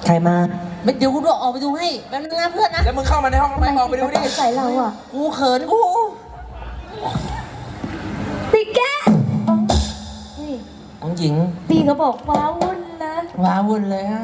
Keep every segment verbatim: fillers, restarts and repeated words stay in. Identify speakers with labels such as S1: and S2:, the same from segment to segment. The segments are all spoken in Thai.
S1: รมา
S2: ไม่เดี๋ยวกูดูออกไปดูให้แป๊บนึงนะเพื่อนนะ
S3: แล้วมึงเข้ามาในห้องทำไมออกไปดูดิ
S1: ใส่เราอ่ะ
S2: กูเขินกู
S4: ปีแกนี่
S2: ของหญิง
S4: ปีเขาบอกว้าวุ่นนะ
S2: ว้าวุ่นเลยฮะ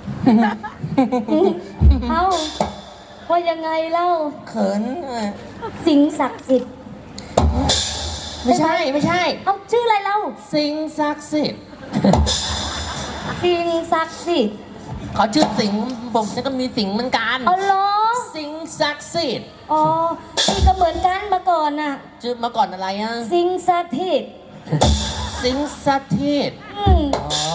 S4: เอ้าว่ายังไงเล่า
S2: เขิน
S4: สิงศักดิ์สิทธิ์
S2: ไม่ใช่ไม่ใช่
S4: เอาชื่ออะไรเล่า
S2: สิงศักดิ์สิทธิ์
S4: สิงศักดิ์สิทธิ์
S2: เขาชื่อสิงผมจะก็มีสิงเหมือนกัน
S4: อ๋อเหรอ
S2: สิงศักดิ์สิทธิ์
S4: อ๋อนี่ก็เหมือนกันมาก่อนน่ะ
S2: ชื่อมาก่อนอะไรอ่ะ
S4: สิงศักดิ์สิทธิ์
S2: สิงศักดิ์สิทธิ์
S4: อืม
S2: อ๋อ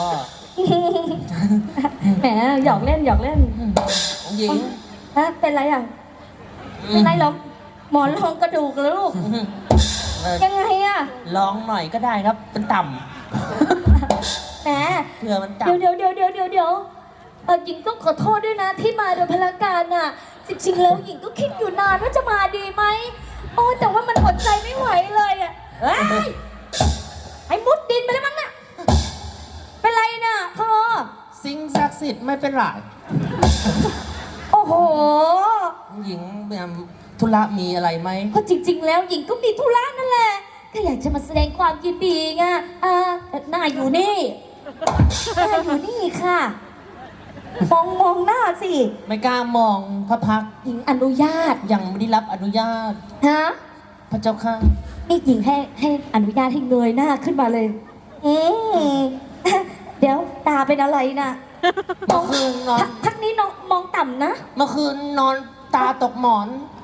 S4: แหมหยอกเล่นหยอกเล่น
S2: ของหญิง
S4: ฮะเป็นไรอ่ะเป็นไรเหรอหมอนรองกระดูกเหรอลูก
S2: เออ
S4: ยังไงอ่ะ
S2: ลองหน่อยก็ได้ครับเป็นต่
S4: แหม
S2: ำเผื่อมันต่
S4: เดี๋ยวเดี๋ยวเดี๋ยวเดี๋ยวเดี๋ยวเดี๋ยวเออหญิงต้องขอโทษด้วยนะที่มาโดยพลการน่ะจริงๆแล้วหญิงก็คิดอยู่นานว่าจะมาดีไหมโอ้แต่ว่ามันอดใจไม่ไหวเลยอ่ะเฮ้ยไอ้มุดดินไปแล้วมั้งน่ะเป็นไรน่ะเธอ
S2: ำสิงศักดิ์สิทธิ์ไม่เป็นไร
S4: โอ้โห
S2: ของหญิงแบบธุระมีอะไรไหม
S4: ก็จริง ๆ แล้วหญิงก็มีธุระนั่นแหละก็อยากจะมาแสดงความยินดีไงอ่าหน้าอยู่นี่หน้าอยู่นี่ค่ะมองมองหน้าสิ
S2: ไม่กล้ามองพระพักตร์
S4: หญิงอนุญาต
S2: ยังไม่ได้รับอนุญาต
S4: ฮะ
S2: พระเจ้าค่ะ
S4: นี่หญิงให้ให้อนุญาตให้เงยหน้าขึ้นมาเลย อืม เดี๋ยวตาเป็นอะไรน่ะม
S2: เมื่
S4: อ
S2: อง คืนนอน
S4: พักนี้น้องมองต่ำนะ
S2: เมื่อคืนนอนตาตกหมอน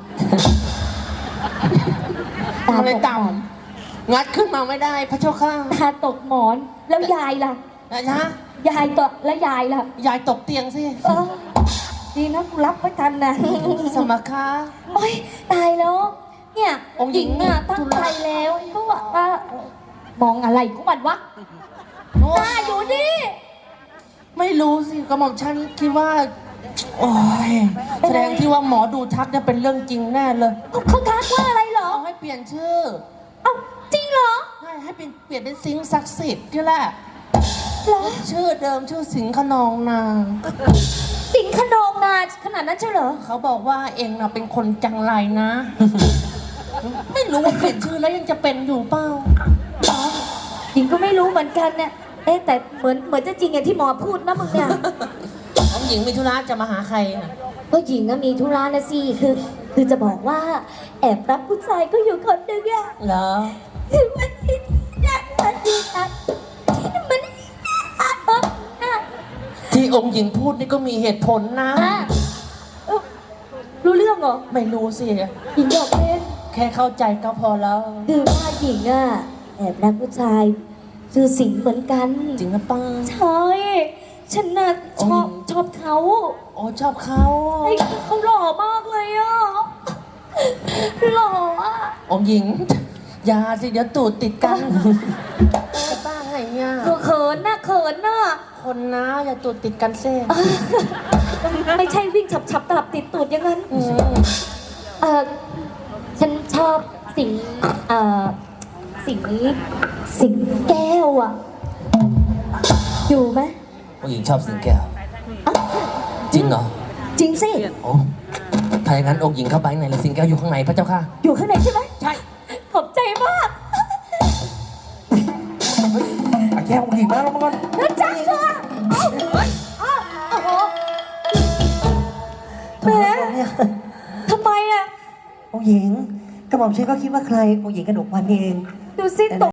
S4: ตา
S2: เลย
S4: ตก
S2: ต่ำงัดขึ้นมาไม่ได้พระเจ้าค่ะ
S4: ตาตกหมอน แล้วยายล่ะ
S2: นะจ๊ะ
S4: ยายตกแล้วยายล่ะ
S2: ยายตกเตียงสิ
S4: เออ ดีนะกูรับไว้ทันนะ
S2: สมัครคะ
S4: โอ๊ยตายแล้ว เนี่ย
S2: องค์หญิง
S4: อ่ะตั้งใจแล้วก็ว่าว่าเอ่อมองอะไรของมันวะตาอยู่ดิ
S2: ไม่รู้สิกระหม่อมฉันคิดว่า โอ้ยแสดงที่ว่าหมอดูทักเนี่ยเป็นเรื่องจริงแน่เลย
S4: เขาเขาทักว่าอะไรเหรอ
S2: เอาให้เปลี่ยนชื่อ
S4: เอ้าจริงเหรอ
S2: ให้ให้เป็นเปลี่ยนเป็นสิงห์ศักดิ์สิทธิ์นี่แหละ
S4: เหรอ
S2: ชื่อเดิมชื่อสิงห์ขนองนาง
S4: สิงขนองนาขนาดนั้นใช่เหรอ
S2: เขาบอกว่าเองน่ะเป็นคนจังไรนะ ไม่รู้ว่าเปลี่ยนชื่อแล้วยังจะเป็นอยู่เปล่า
S4: หญิงก็ไม่รู้เหมือนกันเนี่ย เอ๊ะแต่เหมือนเหมือนจะจริงอย่างที่หมอพูดนะมึงเนี่ย
S2: น้องหญิงมีธุระจะมาหาใครน่ะ
S4: ก็หญิงก็มีธุระนะสิคือ คือจะบอกว่า แอบรักผู้ชายก็อยู่คนหนึ่งอะ
S2: เหรอ
S4: คือมันที่นักมันที่นักที่มันอะเอออะ
S2: ที่องค์หญิงพูดนี่ก็มีเหตุผลนะ
S4: อะเอ้ารู้เรื่องเหรอ
S2: ไม่รู้สิ
S4: หญิงบอกเล่น
S2: แค่เข้าใจก็พอแล้ว
S4: คือว่าหญิงอะแอบรักผู้ชายชื่อสิงห์เหมือนกัน
S2: จริงหรือเปล่า
S4: ใช่ฉันน่ะชอบ
S2: โอ้ย
S4: ชอบเขา
S2: โอ้ชอบเขา
S4: ไอ้เขาหล่อมากเลยอ่ะหล่ออ่ะ
S2: องค์หญิง อย่าสิเดี๋ยวตูดติดกันเออบ้าไงเนี่ย
S4: เขินน่ะเขินน่ะ
S2: คนนะอย่าตูดติดกันเซ่
S4: ไม่ใช่วิ่งฉับฉับตลับติดตูดอย่างนั้น
S2: อืม
S4: เออฉันชอบสิงเอ่อสิงสิงแก้วอ่ะ อยู่ไหม
S2: องค์หญิงชอบสิงแก้ว
S4: อ้าว
S2: จริงเหรอ
S4: จริงสิ
S2: โอ้ถ้าอย่างนั้นองค์หญิงเข้าไปข้างในเลยสิงแก้วอยู่ข้างในพระเจ้าค่ะ
S4: อยู่ข้างในใช่ไหม
S2: ใช่
S4: ขอบใจมาก
S3: ไอ้แก้วหญิงมาแล้วมั้ง
S4: น่าจังอ่ะเอ้าเอ้าโอ้โหแหมทำไมอ่ะ
S1: องค์หญิงกระหม่อมฉันก็คิดว่าใครองค์หญิงกระหนกวันเอง
S4: ดูสิตก